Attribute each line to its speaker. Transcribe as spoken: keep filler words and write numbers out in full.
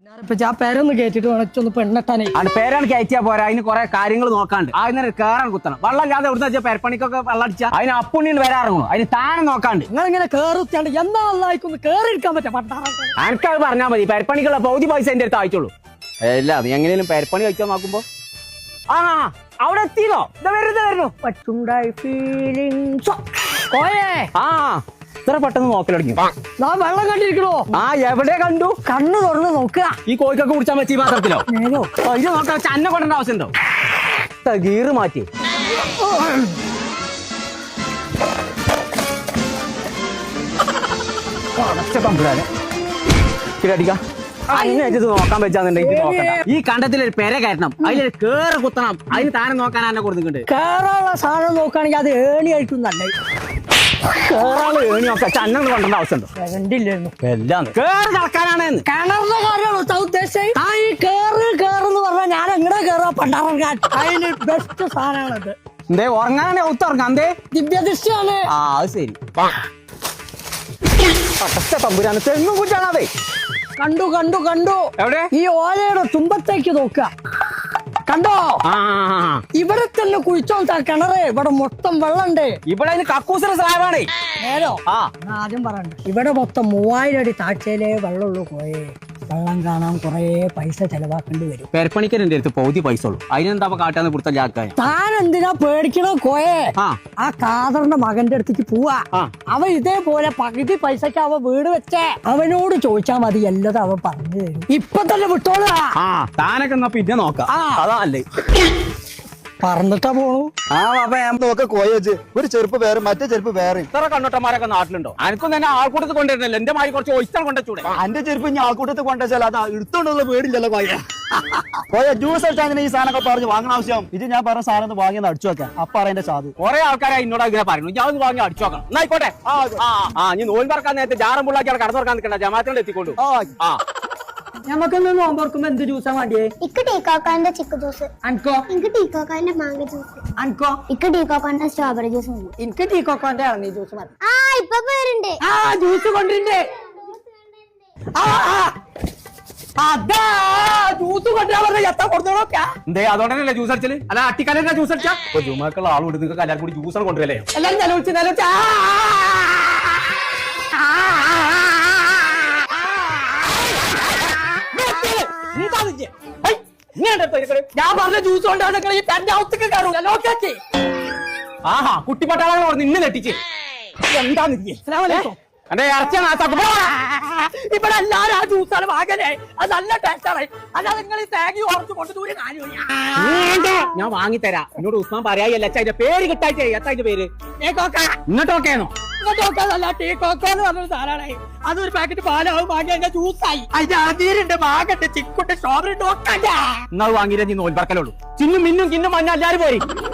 Speaker 1: ആ പേരൊന്ന് കേട്ടിട്ട് വേണം പെണ്ണെട്ടാനേ
Speaker 2: അത് പേരാണ് കയറ്റിയാ പോരാ. അതിന് കുറെ കാര്യങ്ങൾ നോക്കാണ്ട്. അതിനെ കേറാൻ കുത്തണം. വെള്ളം ഇല്ലാതെ എവിടുന്ന പെരപ്പണിക്കൊക്കെ വെള്ളം അടിച്ചാൽ അതിന് അപ്പുണ്ണിന് വരാറുള്ളൂ. അതിന് താനെ നോക്കാണ്ട്.
Speaker 1: നിങ്ങൾ ഇങ്ങനെ കേറിച്ചാണ്ട് എന്നാ അല്ലായിക്കൊന്ന് കേറിയിരിക്കാൻ പറ്റാ പണ്ടാറ.
Speaker 2: എനിക്കത് പറഞ്ഞാൽ മതി. പെരപ്പണിക്കുള്ള പൗതി പൈസ എന്റെ അടുത്ത് അയച്ചോളൂ. അല്ല അത് എങ്ങനെയും പെരപ്പണി കഴിക്കാൻ നോക്കുമ്പോ ആ അവിടെ എത്തിയോ? ഇതാ വരുന്നത് വരുന്നു.
Speaker 1: പറ്റുണ്ടായി ഫീലിംഗ്
Speaker 2: ആ ഇത്ര പെട്ടെന്ന് നോക്കലടങ്ങി.
Speaker 1: ഞാൻ വെള്ളം കണ്ടിരിക്കണോ?
Speaker 2: ആ എവിടെ കണ്ടു?
Speaker 1: കണ്ണ് തുറന്ന് നോക്കുക.
Speaker 2: ഈ കോഴിക്കൊക്കെ കുടിച്ചാൻ പറ്റി പാത്രത്തിലോ? ഇത് നോക്കാൻ ചന്ന കൊണ്ടേണ്ട ആവശ്യമുണ്ടോ? ഗീറ് മാറ്റി അടിക്കാം. അതിനത് നോക്കാൻ പറ്റാന്നുണ്ടെങ്കിൽ നോക്കണ്ട. ഈ കണ്ടത്തിലൊരു പെര കയറ്റണം. അതിലൊരു കേറ് കുത്തണം. അതിന് താനെ നോക്കാൻ എന്നെ കൊടുക്കുന്നുണ്ട്.
Speaker 1: കേറാനുള്ള സാധനം നോക്കുകയാണെങ്കിൽ അത് ഏണി ആയിട്ടും നല്ല
Speaker 2: കേറാള് ഏണി നോക്കാം. ചന്ന കൊണ്ടേണ്ട ആവശ്യമുണ്ടോ?
Speaker 1: കണ്ടില്ലായിരുന്നു.
Speaker 2: എല്ലാം കേറ് കളക്കാനാണ്.
Speaker 1: കിണറിന്റെ കാര്യമാണോ ഉദ്ദേശിച്ചത്? ആ ഈ കേറ് കേറെന്ന് പറഞ്ഞാൽ ഞാൻ എങ്ങനെ കേറാ പണ്ടാറങ്ങാൻ. അതിന് ബെസ്റ്റ് സാധനമാണത്.
Speaker 2: എന്തേ ഉറങ്ങാനാണ് ഒത്തുറങ്ങാം. എന്തേ
Speaker 1: ദിവ്യദൃഷ്ടിയാണ്.
Speaker 2: ആ അത് ശരി. തമ്പുരാണ് തെങ്ങും കുറ്റാണതേ.
Speaker 1: കണ്ടു കണ്ടു കണ്ടു.
Speaker 2: എവിടെ?
Speaker 1: ഈ ഓലയുടെ തുമ്പത്തേക്ക് നോക്ക. കണ്ടോ? ഇവിടെ തന്നെ കുഴിച്ചോളാ കിണറ്. ഇവിടെ മൊത്തം വെള്ളണ്ട്.
Speaker 2: ഇവിടെ കക്കൂസിന്റെ സ്ലാബാണ്.
Speaker 1: നേരോ ആദ്യം പറയണ്ട. ഇവിടെ മൊത്തം മൂവായിരം അടി താഴ്ചയിലേ വെള്ളമുള്ളൂ. പോയേ വെള്ളം കാണാൻ കൊറേ പൈസ ചെലവാക്കേണ്ടി വരും.
Speaker 2: പെരപ്പണിക്കരന്റെ അടുത്ത് പൗതി പൈസ ഉള്ളൂ. അതിനെന്താ കാട്ടാന്ന് കൊടുത്ത ജാക്കാൻ.
Speaker 1: താൻ എന്തിനാ പേടിക്കണോ കോയെ? ആ കാതറിന്റെ മകന്റെ അടുത്തേക്ക് പോവാ. അവൻ ഇതേപോലെ പകുതി പൈസക്ക് അവൻ വീട് വെച്ചേ. അവനോട് ചോദിച്ചാ മതി. എല്ലാതും അവൻ പറഞ്ഞു തരും. ഇപ്പൊ തന്നെ വിട്ടോളാ.
Speaker 2: താനൊക്കെ എന്നാ പിന്നെ നോക്കാം. അതല്ലേ
Speaker 1: പറന്നിട്ടാ പോണു.
Speaker 3: ആ അപ്പൊ നോക്ക കോയച്ച് ഒരു ചെരുപ്പ് വേറെ മറ്റേ ചെരുപ്പ് വേറെ.
Speaker 2: ഇത്ര കണ്ണോട്ടന്മാരൊക്കെ നാട്ടിലുണ്ടോ? എനിക്കും തന്നെ ആൾക്കൂട്ടത്തിൽ കൊണ്ടുവരുന്നില്ല. എന്റെ മാതിരി കുറച്ച് ഒഴിച്ചാൽ കൊണ്ടുവച്ചൂടെ?
Speaker 3: എന്റെ ചെരുപ്പ് ഇനി ആൾക്കൂട്ടത്തിൽ കൊണ്ടുവച്ചാൽ അത് എടുത്തോണ്ടുള്ള പേടില്ലല്ലോ കോയ. കോയ ജ്യൂസ് അടിച്ചാൽ ഈ സാധനമൊക്കെ പറഞ്ഞ് വാങ്ങണ ആവശ്യം. ഇത് ഞാൻ പറഞ്ഞ സാധനം വാങ്ങിയെന്ന് അടിച്ചു വെക്കാം. അപ്പൊ അറിയാൻ സാധു
Speaker 2: കുറെ ആൾക്കാരെ എന്നോട് ഇങ്ങനെ പറയുന്നു. ഞാൻ ഒന്ന് വാങ്ങി അടിച്ചു നോക്കണം. എന്നായിക്കോട്ടെ. ആ നീ നോൻ പറക്കാൻ നേരത്തെ ജാറം പുള്ളാക്കിയാൽ കടന്നു തുറക്കാൻ നിൽക്കണ്ട. ജമാത്തിനോട് എത്തിക്കൊണ്ടു. ആ
Speaker 1: ഞമ്മക്കൊന്ന് നോമ്പറക്കുമ്പോ എന്ത് ജ്യൂസാ വേണ്ടിയേ?
Speaker 4: ഇക്ക് ടീക്കോക്കാന്റെ ചിക്കു ജ്യൂസ്.
Speaker 1: അൻകോ?
Speaker 4: എനിക്ക് ടീക്കോക്കാന്റെ മാങ്ങ ജ്യൂസ്.
Speaker 1: അൻകോ?
Speaker 4: ഇക്ക് ടീക്കോക്കാന്റെ സ്ട്രോബെറി ജ്യൂസ് മതി.
Speaker 1: എനിക്ക് ടീക്കോക്കാന്റെ ഇളനീ ജ്യൂസ് മതി.
Speaker 4: ആ ഇപ്പൊ പേരുണ്ട്.
Speaker 1: ആ ജ്യൂസ് കൊണ്ടിരുന്നേ. അതാ ജ്യൂസ് കൊണ്ടുവരാൻ പറഞ്ഞ എത്താ കൊടുത്തോളൊക്കെ.
Speaker 2: എന്തേ അതുകൊണ്ടല്ലേ ജ്യൂസ് അടിച്ചല്? അല്ല അട്ടിക്കാലെ ജ്യൂസ് അടിച്ചാ ജുമാക്കുള്ള ആളുണ്ട്. നിങ്ങൾക്ക് എല്ലാവരും കൂടി ജ്യൂസാണ് കൊണ്ടുവരല്ലേ?
Speaker 1: എല്ലാരും നിലവിളിച്ച് നിലവിളിച്ച ഞാൻ പറഞ്ഞ ജ്യൂസ് കൊണ്ടാണ് ഈ തന്റെ ഔത്തേക്ക് കയറൂല. നോക്കാച്ചേ
Speaker 2: ആഹാ കുട്ടി പട്ടാളങ്ങൾ നിന്നെ നെട്ടിച്ച്
Speaker 1: എന്താന്ന്
Speaker 2: എന്റെ ഇറച്ചി
Speaker 1: ഇവിടെ എല്ലാരും ആ ജ്യൂസാണ് വാങ്ങലേ. അത് നല്ല ടേസ്റ്റാണ്. അല്ലാതെ നിങ്ങൾ ഈ തേങ്ങ ഉറച്ചു കൊണ്ട് ദൂരെ കാര്യമില്ല.
Speaker 2: ഞാൻ വാങ്ങിത്തരാം. എന്നോട് ഉസ്മാൻ പറയായല്ല. അതിന്റെ പേര് കിട്ടായിട്ടേ. എത്താ അതിന്റെ പേര്? ഇങ്ങോട്ട് നോക്കേന്നോ?
Speaker 1: ഇങ്ങോട്ട് നോക്കാതല്ല. ടീ കോക്കോ എന്ന് പറഞ്ഞൊരു സാധനമാണ്. അതൊരു പാക്കറ്റ് പാലാവും വാങ്ങി അതിന്റെ ജ്യൂസായി. അതിന്റെ അതിരുണ്ട് മാങ്ങണ്ട് ചിക്കുണ്ട് സ്ട്രോബെറി ഉണ്ട്.
Speaker 2: എന്നാ വാങ്ങിയിട്ട് നീ നോൽപ്പറക്കലുള്ളൂ. ചിന്നും മിന്നും കിന്നും മഞ്ഞ എല്ലാരും പോയി.